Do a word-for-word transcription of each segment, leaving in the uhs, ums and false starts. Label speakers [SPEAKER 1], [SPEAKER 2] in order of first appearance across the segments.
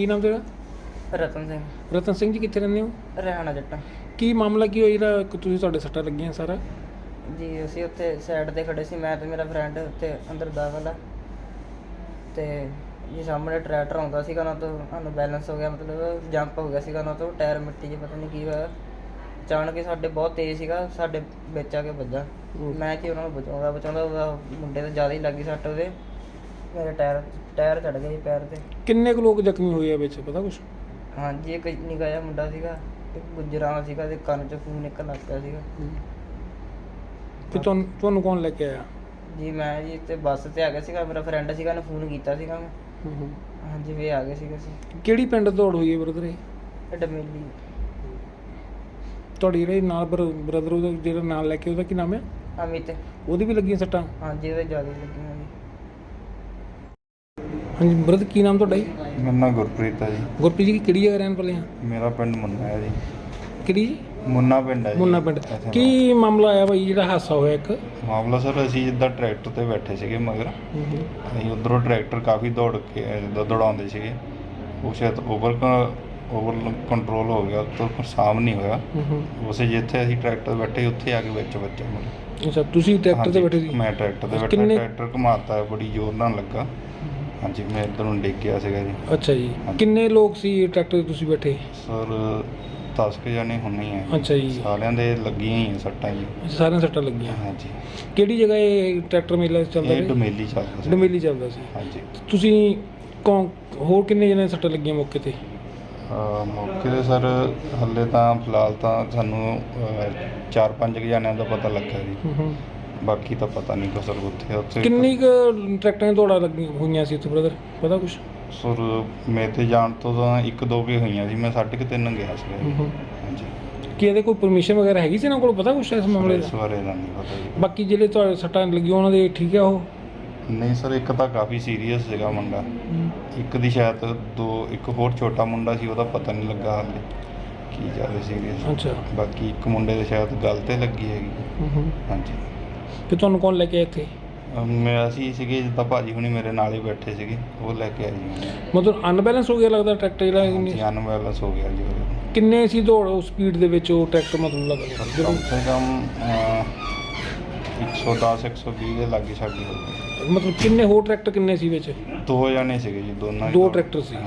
[SPEAKER 1] ਕੀ ਨਾਮ ਤੇਰਾ?
[SPEAKER 2] ਰਤਨ ਸਿੰਘ।
[SPEAKER 1] ਰਤਨ ਸਿੰਘ ਜੀ ਕਿੱਥੇ ਰਹਿੰਦੇ ਹੋ?
[SPEAKER 2] ਹਰਿਆਣਾ ਜੱਟਾਂ
[SPEAKER 1] ਕੀ ਮਾਮਲਾ ਕੀ ਹੋਇਆ ਜਿਹੜਾ ਤੁਸੀਂ ਤੁਹਾਡੇ ਸੱਟਾਂ ਲੱਗੀਆਂ ਸਾਰਾ?
[SPEAKER 2] ਜੀ ਅਸੀਂ ਉੱਥੇ ਸਾਈਡ ਤੇ ਖੜੇ ਸੀ, ਮੈਂ ਤੇ ਮੇਰਾ ਫਰੈਂਡ ਉੱਥੇ ਅੰਦਰ ਦਾਖਲ ਆ ਤੇ ਜੀ ਸਾਹਮਣੇ ਟਰੈਕਟਰ ਆਉਂਦਾ ਸੀਗਾ ਨਾ, ਤੋਂ ਸਾਨੂੰ ਬੈਲੈਂਸ ਹੋ ਗਿਆ, ਮਤਲਬ ਜੰਪ ਹੋ ਗਿਆ ਸੀਗਾ ਨਾ, ਤੋਂ ਟਾਇਰ ਮਿੱਟੀ 'ਚ ਪਤਾ ਨਹੀਂ ਕੀ ਹੋਇਆ, ਅਚਾਨਕ ਹੀ ਸਾਡੇ ਬਹੁਤ ਤੇਜ਼ ਸੀਗਾ, ਸਾਡੇ ਵਿੱਚ ਆ ਕੇ ਵੱਜਾ। ਮੈਂ ਕਿ ਉਹਨਾਂ ਨੂੰ ਬਚਾਉਂਦਾ ਬਚਾਉਂਦਾ ਉਹਦਾ ਮੁੰਡੇ ਤੇ ਜ਼ਿਆਦਾ ਹੀ ਲੱਗੀ ਸੱਟ, ਉਹਦੇ ਮੇਰੇ ਟਾਇਰ ਟਾਇਰ ਚੜ੍ਹ ਗਿਆ ਜੀ ਪੈਰ ਤੇ।
[SPEAKER 1] ਕਿੰਨੇ ਕੁ ਲੋਕ ਜ਼ਖਮੀ ਹੋਏ ਆ ਵਿੱਚ, ਪਤਾ ਕੁਛ?
[SPEAKER 2] ਹਾਂਜੀ ਇੱਕ ਨਿੱਕਾ ਜਿਹਾ ਮੁੰਡਾ ਸੀਗਾ, ਇੱਕ ਗੁੱਜਰਾਂ ਸੀਗਾ, ਤੇ ਕੰਨ 'ਚ ਖੂਨ ਨਿਕਲਣ ਲੱਗ ਪਿਆ ਸੀਗਾ।
[SPEAKER 1] ਤੇ ਤੁਹਾਨੂੰ ਤੁਹਾਨੂੰ ਕੌਣ ਲੈ ਕੇ ਆਇਆ?
[SPEAKER 2] ਜੀ ਮੈਂ ਜੀ ਤੇ ਬੱਸ ਤੇ ਆ ਗਿਆ ਸੀਗਾ, ਮੇਰਾ ਫਰੈਂਡ ਸੀਗਾ, ਉਹਨੇ ਫੋਨ ਕੀਤਾ ਸੀਗਾ ਮੈਂ। ਹਾਂਜੀ ਵੀ ਆ ਗਏ ਸੀਗੇ ਅਸੀਂ।
[SPEAKER 1] ਕਿਹੜੀ ਪਿੰਡ ਦੌੜ ਹੋਈ ਹੈ ਬ੍ਰਦਰ ਇਹ?
[SPEAKER 2] ਇਹ ਡਮੇਲੀ।
[SPEAKER 1] ਤੁਹਾਡੀ ਜਿਹੜੇ ਨਾਲ ਬ੍ਰਦਰ ਉਹਦਾ ਜਿਹੜਾ ਨਾਲ ਲੈ ਕੇ ਉਹਦਾ ਕੀ ਨਾਮ ਹੈ?
[SPEAKER 2] ਅਮਿਤ।
[SPEAKER 1] ਉਹਦੀ ਵੀ ਲੱਗੀਆਂ ਸੱਟਾਂ?
[SPEAKER 2] ਹਾਂਜੀ ਉਹਦੇ ਜ਼ਿਆਦਾ ਹੀ ਲੱਗੀਆਂ ਜੀ।
[SPEAKER 1] ਹਾਂਜੀ ਬ੍ਰਦਰ ਕੀ ਨਾਮ ਤੁਹਾਡਾ ਜੀ?
[SPEAKER 3] ਮੇਰਾ ਨਾਮ ਗੁਰਪ੍ਰੀਤ ਹੈ ਜੀ।
[SPEAKER 1] ਗੁਰਪ੍ਰੀਤ ਜੀ ਕਿਹੜੀ ਜਗ੍ਹਾ ਰਹਿਣ ਵਾਲੇ ਆ?
[SPEAKER 3] ਮੇਰਾ ਪਿੰਡ ਮੁੰਨਾ ਹੈ ਜੀ।
[SPEAKER 1] ਕਿਹੜੀ ਜੀ?
[SPEAKER 3] ਮੁੰਨਾ ਪਿੰਡ ਹੈ ਜੀ।
[SPEAKER 1] ਮੁੰਨਾ ਪਿੰਡ। ਕੀ ਮਾਮਲਾ ਆਇਆ ਭਾਈ ਜਿਹੜਾ ਹਾਦਸਾ ਹੋਇਆ ਇੱਕ?
[SPEAKER 3] ਮਾਮਲਾ ਸਰ ਅਸੀਂ ਜਿੱਦਾਂ ਟਰੈਕਟਰ ਤੇ ਬੈਠੇ ਸੀਗੇ ਮਗਰ, ਅਸੀਂ ਉੱਧਰੋਂ ਟਰੈਕਟਰ ਕਾਫੀ ਦੌੜ ਕੇ ਜਿੱਦਾਂ ਦੌੜਾਉਂਦੇ ਸੀਗੇ, ਉਹ ਸ਼ਾਇਦ ਓਵਰ ਓਵਰ ਕੰਟਰੋਲ ਹੋ ਗਿਆ, ਉੱਤੋਂ ਸਾਮ ਨਹੀਂ ਹੋਇਆ, ਉਸੇ ਜਿੱਥੇ ਅਸੀਂ ਟਰੈਕਟਰ ਤੇ ਬੈਠੇ ਉੱਥੇ ਆ ਕੇ ਵਿੱਚ ਵੱਜਿਆ ਮਤਲਬ।
[SPEAKER 1] ਅੱਛਾ ਤੁਸੀਂ ਟਰੈਕਟਰ ਤੇ ਬੈਠੇ ਸੀ?
[SPEAKER 3] ਮੈਂ ਟਰੈਕਟਰ ਤੇ ਬੈਠਾ, ਟਰੈਕਟਰ ਘੁਮਾਤਾ ਬੜੀ ਜ਼ੋਰ ਨਾਲ ਲੱਗਾ। ਹਾਂਜੀ ਮੈਂ ਇੱਧਰ ਨੂੰ ਡਿੱਗ ਗਿਆ ਸੀਗਾ ਜੀ।
[SPEAKER 1] ਅੱਛਾ ਜੀ ਕਿੰਨੇ ਲੋਕ ਸੀ ਟਰੈਕਟਰ ਤੇ ਤੁਸੀਂ ਬੈਠੇ?
[SPEAKER 3] ਸਰ ਦਸ ਕੁ ਜਾਣੇ ਹੁੰਨੇ ਆ।
[SPEAKER 1] ਅੱਛਾ ਜੀ
[SPEAKER 3] ਸਾਰਿਆਂ ਦੇ ਲੱਗੀਆਂ ਹੀ ਸੱਟਾਂ ਜੀ।
[SPEAKER 1] ਸਾਰਿਆਂ ਸੱਟਾਂ ਲੱਗੀਆਂ?
[SPEAKER 3] ਹਾਂਜੀ।
[SPEAKER 1] ਕਿਹੜੀ ਜਗ੍ਹਾ ਇਹ ਟਰੈਕਟਰ ਮੇਲਾ ਚੱਲਦਾ?
[SPEAKER 3] ਇਹ ਡਮੇਲੀ ਚੱਲਦਾ ਸੀ।
[SPEAKER 1] ਡਮੇਲੀ ਚੱਲਦਾ ਸੀ।
[SPEAKER 3] ਹਾਂਜੀ।
[SPEAKER 1] ਤੁਸੀਂ ਕੌਣ ਹੋਰ ਕਿੰਨੇ ਜਣੇ ਸੱਟਾਂ ਲੱਗੀਆਂ ਮੌਕੇ ਤੇ?
[SPEAKER 3] ਮੌਕੇ 'ਤੇ ਸਰ ਹਾਲੇ ਤਾਂ ਫਿਲਹਾਲ ਤਾਂ ਸਾਨੂੰ ਚਾਰ ਪੰਜ ਕੁ ਜਣਿਆਂ ਦਾ ਪਤਾ ਲੱਗਾ ਜੀ, ਬਾਕੀ ਤਾਂ ਪਤਾ ਨਹੀਂ ਸਰ ਉੱਥੇ ਉੱਥੇ
[SPEAKER 1] ਕਿੰਨੀ ਕੁ ਟਰੈਕਟਰਾਂ ਦੀਆਂ ਦੌੜਾਂ ਲੱਗੀਆਂ ਹੋਈਆਂ ਸੀ ਉੱਥੇ ਬ੍ਰਦਰ, ਪਤਾ ਕੁਛ?
[SPEAKER 3] ਸਰ ਮੇਰੇ ਤੇ ਜਾਣ ਤੋਂ ਤਾਂ ਇੱਕ ਦੋ ਕੇ ਹੋਈਆਂ ਸੀ, ਮੈਂ ਸਾਢੇ ਕੁ ਤਿੰਨ ਗਿਆ ਸੀ। ਹਾਂਜੀ।
[SPEAKER 1] ਕੀ ਇਹਦੇ ਕੋਈ ਪਰਮਿਸ਼ਨ ਵਗੈਰਾ ਹੈਗੀ ਸੀ ਇਹਨਾਂ ਕੋਲ, ਪਤਾ ਕੁਛ ਇਸ ਮਾਮਲੇ ਦਾ?
[SPEAKER 3] ਇਸ ਬਾਰੇ ਤਾਂ ਨਹੀਂ ਪਤਾ ਜੀ।
[SPEAKER 1] ਬਾਕੀ ਜਿਹੜੇ ਤੁਹਾਡੇ ਸੱਟਾਂ ਲੱਗੀਆਂ ਉਹਨਾਂ ਦੇ ਠੀਕ ਆ ਉਹ?
[SPEAKER 3] ਨਹੀਂ ਸਰ ਇੱਕ ਤਾਂ ਕਾਫੀ ਸੀਰੀਅਸ ਸੀਗਾ ਮੁੰਡਾ, ਇੱਕ ਦੀ ਸ਼ਾਇਦ ਦੋ ਇੱਕ ਹੋਰ ਛੋਟਾ ਮੁੰਡਾ ਸੀ, ਉਹਦਾ ਪਤਾ ਨਹੀਂ ਲੱਗਾ ਹਾਲੇ ਕੀ ਜ਼ਿਆਦਾ ਸੀਰੀਅਸ।
[SPEAKER 1] ਅੱਛਾ।
[SPEAKER 3] ਬਾਕੀ ਇੱਕ ਮੁੰਡੇ ਦੇ ਸ਼ਾਇਦ ਗੱਲ 'ਤੇ ਲੱਗੀ ਹੈਗੀ। ਹਾਂਜੀ।
[SPEAKER 1] ਤੇ ਤੁਹਾਨੂੰ ਕੌਣ ਲੈ ਕੇ ਆਇਆ ਇੱਥੇ?
[SPEAKER 3] ਮੈਂ ਅਸੀਂ ਸੀਗੇ ਜਿੱਦਾਂ ਭਾਜੀ ਹੁਣੀ ਮੇਰੇ ਨਾਲ ਹੀ ਬੈਠੇ ਸੀਗੇ, ਉਹ ਲੈ ਕੇ ਆਏ ਜੀ।
[SPEAKER 1] ਮਤਲਬ ਅਨਬੈਲੈਂਸ ਹੋ ਗਿਆ ਲੱਗਦਾ ਟਰੈਕਟਰ ਜਿਹੜਾ?
[SPEAKER 3] ਅਨਬੈਲੈਂਸ ਹੋ ਗਿਆ ਜੀ।
[SPEAKER 1] ਕਿੰਨੇ ਸੀ ਦੌੜ ਉਸ ਸਪੀਡ ਦੇ ਵਿੱਚ ਉਹ ਟਰੈਕਟਰ, ਮਤਲਬ ਲੱਗਦਾ
[SPEAKER 3] ਕਮ ਸੇ ਕਮ ਇੱਕ ਸੌ ਦਸ ਇੱਕ ਸੌ ਵੀਹ ਦੇ ਲਾਗੇ ਸਾਡੀ ਹੋ ਗਈ।
[SPEAKER 1] ਮਤਲਬ ਕਿੰਨੇ ਹੋਰ ਟਰੈਕਟਰ ਕਿੰਨੇ ਸੀ ਵਿੱਚ?
[SPEAKER 3] ਦੋ ਜਣੇ ਸੀਗੇ ਜੀ, ਦੋਨਾਂ
[SPEAKER 1] ਦੋ ਟਰੈਕਟਰ ਸੀ।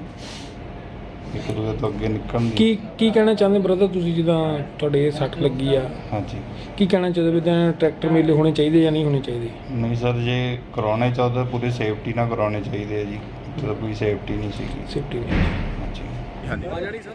[SPEAKER 3] ਇੱਕ ਦੂਜੇ ਤੋਂ ਅੱਗੇ ਨਿਕਲਣ ਦੀ।
[SPEAKER 1] ਕੀ ਕੀ ਕਹਿਣਾ ਚਾਹੁੰਦੇ ਬ੍ਰਦਰ ਤੁਸੀਂ, ਜਿੱਦਾਂ ਤੁਹਾਡੇ ਸੱਟ ਲੱਗੀ ਆ? ਹਾਂਜੀ। ਕੀ ਕਹਿਣਾ ਚਾਹੁੰਦੇ ਵੀ ਤਾਂ ਟਰੈਕਟਰ ਮੇਲੇ ਹੋਣੇ ਚਾਹੀਦੇ ਜਾਂ ਨਹੀਂ ਹੋਣੇ ਚਾਹੀਦੇ?
[SPEAKER 3] ਨਹੀਂ ਸਰ ਜੇ ਕਰਾਉਣੇ ਚਾਹੁੰਦੇ ਪੂਰੀ ਸੇਫਟੀ ਨਾਲ ਕਰਾਉਣੇ ਚਾਹੀਦੇ ਆ ਜੀ, ਉੱਥੇ ਤਾਂ ਕੋਈ ਸੇਫਟੀ ਨਹੀਂ ਸੀਗੀ।
[SPEAKER 1] ਸੇਫਟੀ ਨਹੀਂ।
[SPEAKER 3] ਹਾਂਜੀ
[SPEAKER 4] ਹਾਂਜੀ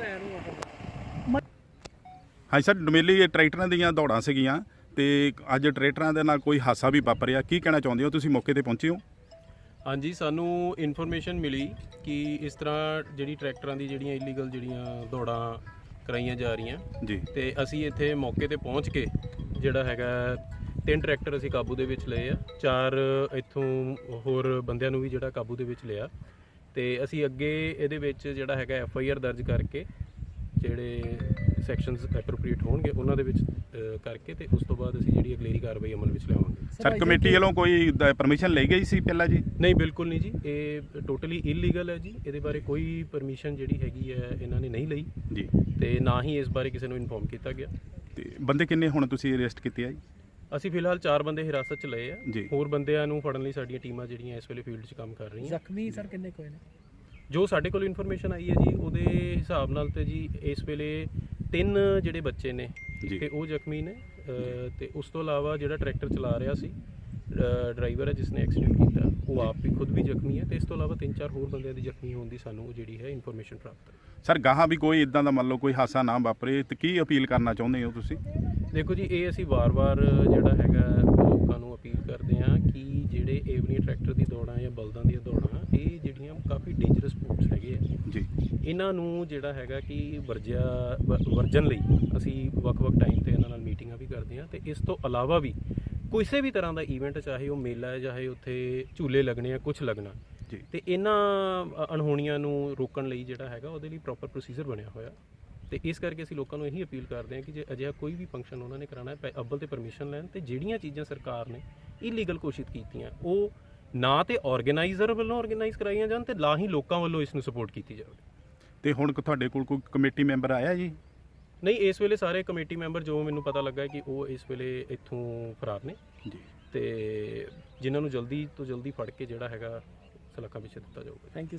[SPEAKER 4] ਹਾਂਜੀ ਸਰ ਡਮੇਲੀ ਟਰੈਕਟਰਾਂ ਦੀਆਂ ਦੌੜਾਂ ਸੀਗੀਆਂ ਤੇ ਅੱਜ ਟਰੈਕਟਰਾਂ ਦੇ ਨਾਲ ਕੋਈ ਹਾਦਸਾ ਵੀ ਵਾਪਰਿਆ, ਕੀ ਕਹਿਣਾ ਚਾਹੁੰਦੇ ਹੋ? ਤੁਸੀਂ ਮੌਕੇ ਤੇ ਪਹੁੰਚੇ ਹੋ?
[SPEAKER 5] ਹਾਂਜੀ ਸਾਨੂੰ ਇਨਫੋਰਮੇਸ਼ਨ ਮਿਲੀ ਕਿ ਇਸ ਤਰ੍ਹਾਂ ਜਿਹੜੀ ਟਰੈਕਟਰਾਂ ਦੀ ਜਿਹੜੀਆਂ ਇਲੀਗਲ ਜਿਹੜੀਆਂ ਦੌੜਾਂ ਕਰਾਈਆਂ ਜਾ ਰਹੀਆਂ
[SPEAKER 4] ਜੀ,
[SPEAKER 5] ਤੇ ਅਸੀਂ ਇੱਥੇ ਮੌਕੇ ਤੇ ਪਹੁੰਚ ਕੇ ਜਿਹੜਾ ਹੈਗਾ ਤਿੰਨ ਟਰੈਕਟਰ ਅਸੀਂ ਕਾਬੂ ਦੇ ਵਿੱਚ ਲਏ ਆ, ਚਾਰ ਇੱਥੋਂ ਹੋਰ ਬੰਦਿਆਂ ਨੂੰ ਵੀ ਜਿਹੜਾ ਕਾਬੂ ਦੇ ਵਿੱਚ ਲਿਆ, ਤੇ ਅਸੀਂ ਅੱਗੇ ਇਹਦੇ ਵਿੱਚ ਜਿਹੜਾ ਹੈਗਾ ਐਫ ਆਈ ਆਰ ਦਰਜ ਕਰਕੇ ਜਿਹੜੇ ਸੈਕਸ਼ਨਸ ਐਪਰੋਪਰੀਏਟ ਹੋਣਗੇ ਉਹਨਾਂ ਦੇ ਵਿੱਚ ਕਰਕੇ ਤੇ ਉਸ ਤੋਂ ਬਾਅਦ ਅਸੀਂ ਜਿਹੜੀ ਅਗਲੇਰੀ ਕਾਰਵਾਈ ਅਮਲ ਵਿੱਚ ਲਿਆਵਾਂਗੇ।
[SPEAKER 4] ਸਰ ਕਮੇਟੀ ਵੱਲੋਂ ਕੋਈ ਪਰਮਿਸ਼ਨ ਲਈ ਗਈ ਸੀ ਪਹਿਲਾਂ ਜੀ?
[SPEAKER 5] ਨਹੀਂ ਬਿਲਕੁਲ ਨਹੀਂ ਜੀ, ਇਹ ਟੋਟਲੀ ਇਲੀਗਲ ਹੈ ਜੀ, ਇਹਦੇ ਬਾਰੇ ਕੋਈ ਪਰਮਿਸ਼ਨ ਜਿਹੜੀ ਹੈਗੀ ਹੈ ਇਹਨਾਂ ਨੇ ਨਹੀਂ ਲਈ
[SPEAKER 4] ਜੀ,
[SPEAKER 5] ਤੇ ਨਾ ਹੀ ਇਸ ਬਾਰੇ ਕਿਸੇ ਨੂੰ ਇਨਫੋਰਮ ਕੀਤਾ ਗਿਆ।
[SPEAKER 4] ਤੇ ਬੰਦੇ ਕਿੰਨੇ ਹੁਣ ਤੁਸੀਂ ਅਰੈਸਟ ਕੀਤੇ ਆ ਜੀ?
[SPEAKER 5] ਅਸੀਂ ਫਿਲਹਾਲ ਚਾਰ ਬੰਦੇ ਹਿਰਾਸਤ 'ਚ ਲਏ ਆ,
[SPEAKER 4] ਜੀ।
[SPEAKER 5] ਹੋਰ ਬੰਦਿਆਂ ਨੂੰ ਫੜਨ ਲਈ ਸਾਡੀਆਂ ਟੀਮਾਂ ਜਿਹੜੀਆਂ ਇਸ ਵੇਲੇ ਫੀਲਡ 'ਚ ਕੰਮ ਕਰ ਰਹੀਆਂ।
[SPEAKER 1] ਜ਼ਖਮੀ ਸਰ ਕਿੰਨੇ ਕੋਈ ਨੇ?
[SPEAKER 5] ਜੋ ਸਾਡੇ ਕੋਲ ਇਨਫੋਰਮੇਸ਼ਨ ਆਈ ਹੈ ਜੀ ਉਹਦੇ ਹਿਸਾਬ ਨਾਲ ਤੇ ਜੀ ਇਸ ਵੇਲੇ ਤਿੰਨ ਜਿਹੜੇ ਬੱਚੇ ਨੇ ਤੇ ਉਹ ਜ਼ਖਮੀ ਨੇ, ਤੇ ਉਸ ਤੋਂ ਇਲਾਵਾ ਜਿਹੜਾ ਟਰੈਕਟਰ ਚਲਾ ਰਿਹਾ ਸੀ ਡਰਾਈਵਰ ਹੈ ਜਿਸ ਨੇ ਐਕਸੀਡੈਂਟ ਕੀਤਾ, ਉਹ ਆਪ ਵੀ ਖੁਦ ਵੀ ਜ਼ਖਮੀ ਹੈ, ਤੇ ਇਸ ਤੋਂ ਇਲਾਵਾ ਤਿੰਨ ਚਾਰ ਹੋਰ ਬੰਦਿਆਂ ਦੀ ਜ਼ਖਮੀ ਹੋਣ ਦੀ ਸਾਨੂੰ ਜਿਹੜੀ ਹੈ ਇਨਫੋਰਮੇਸ਼ਨ ਪ੍ਰਾਪਤ ਹੈ।
[SPEAKER 4] ਸਰ ਗਾਹਾਂ ਵੀ ਕੋਈ ਇਦਾਂ ਦਾ ਮੰਨ ਲਓ ਕੋਈ ਹਾਦਸਾ ਨਾ ਵਾਪਰੇ ਤੇ ਕੀ ਅਪੀਲ ਕਰਨਾ ਚਾਹੁੰਦੇ ਹੋ ਤੁਸੀਂ?
[SPEAKER 5] ਦੇਖੋ ਜੀ ਇਹ ਅਸੀਂ ਵਾਰ-ਵਾਰ ਜਿਹੜਾ ਹੈਗਾ ਲੋਕਾਂ ਨੂੰ ਅਪੀਲ ਕਰਦੇ ਹਾਂ ਕਿ ਜਿਹੜੇ ਇਹ ਵਾਲੀਆਂ ਟਰੈਕਟਰ ਦੀ ਦੌੜਾਂ ਜਾਂ ਬਲਦਾਂ ਦੀਆਂ ਦੌੜਾਂ ਇਹ ਜਿਹੜੀਆਂ ਕਾਫੀ ਡੇਂਜਰਸ ਸਪੋਰਟਸ ਹੈਗੇ ਆ
[SPEAKER 4] ਜੀ, ਇਹਨਾਂ
[SPEAKER 5] ਨੂੰ ਜਿਹੜਾ ਹੈਗਾ ਕਿ ਵਰਜਿਆ ਵਰਜਨ ਲਈ ਅਸੀਂ ਵੱਖ-ਵੱਖ ਟਾਈਮ 'ਤੇ ਇਹਨਾਂ ਨਾਲ ਮੀਟਿੰਗਾਂ ਵੀ ਕਰਦੇ ਹਾਂ, ਤੇ ਇਸ ਤੋਂ ਇਲਾਵਾ ਵੀ ਕਿਸੇ ਵੀ ਤਰ੍ਹਾਂ ਦਾ ਈਵੈਂਟ ਚਾਹੇ ਉਹ ਮੇਲਾ ਹੈ ਚਾਹੇ ਉੱਥੇ ਝੂਲੇ ਲੱਗਣੇ ਆ ਕੁਛ ਲੱਗਣਾ ਜੀ, ਤੇ ਇਹਨਾਂ ਅਣਹੋਣੀਆਂ ਨੂੰ ਰੋਕਣ ਲਈ ਜਿਹੜਾ ਹੈਗਾ ਉਹਦੇ ਲਈ ਪ੍ਰੋਪਰ ਪ੍ਰੋਸੀਜਰ ਬਣਿਆ ਹੋਇਆ, ਤੇ ਇਸ ਕਰਕੇ ਅਸੀਂ ਲੋਕਾਂ ਨੂੰ ਇਹੀ ਅਪੀਲ ਕਰਦੇ ਹਾਂ ਕਿ ਜੇ ਅਜਿਹਾ ਕੋਈ ਵੀ ਫੰਕਸ਼ਨ ਉਹਨਾਂ ਨੇ ਕਰਾਉਣਾ ਹੈ ਅੱਵਲ ਤੇ ਪਰਮਿਸ਼ਨ ਲੈਣ, ਤੇ ਜਿਹੜੀਆਂ ਚੀਜ਼ਾਂ ਸਰਕਾਰ ਨੇ ਇਲੀਗਲ ਘੋਸ਼ਿਤ ਕੀਤੀਆਂ ਉਹ ਨਾ ਤੇ ਆਰਗੇਨਾਈਜ਼ਰ ਵੱਲੋਂ ਆਰਗੇਨਾਈਜ਼ ਕਰਾਈਆਂ ਜਾਣ ਤੇ ਨਾ ਹੀ ਲੋਕਾਂ ਵੱਲੋਂ ਇਸ ਨੂੰ ਸਪੋਰਟ ਕੀਤੀ ਜਾਵੇ।
[SPEAKER 4] ਤੇ ਹੁਣ ਤੁਹਾਡੇ ਕੋਲ ਕੋਈ ਕਮੇਟੀ ਮੈਂਬਰ ਆਇਆ ਜੀ?
[SPEAKER 5] ਨਹੀਂ, ਇਸ ਵੇਲੇ ਸਾਰੇ ਕਮੇਟੀ ਮੈਂਬਰ ਜੋ ਮੈਨੂੰ ਪਤਾ ਲੱਗਾ ਹੈ ਕਿ ਉਹ ਇਸ ਵੇਲੇ ਇੱਥੋਂ ਫਰਾਰ ਨੇ
[SPEAKER 4] ਜੀ।
[SPEAKER 5] ਤੇ ਜਿਨ੍ਹਾਂ ਨੂੰ ਜਲਦੀ ਤੋਂ ਜਲਦੀ ਫੜ ਕੇ ਜਿਹੜਾ ਹੈਗਾ ਸਲਾਖਾਂ ਪਿੱਛੇ ਦਿੱਤਾ ਜਾਊਗਾ।
[SPEAKER 1] Thank you.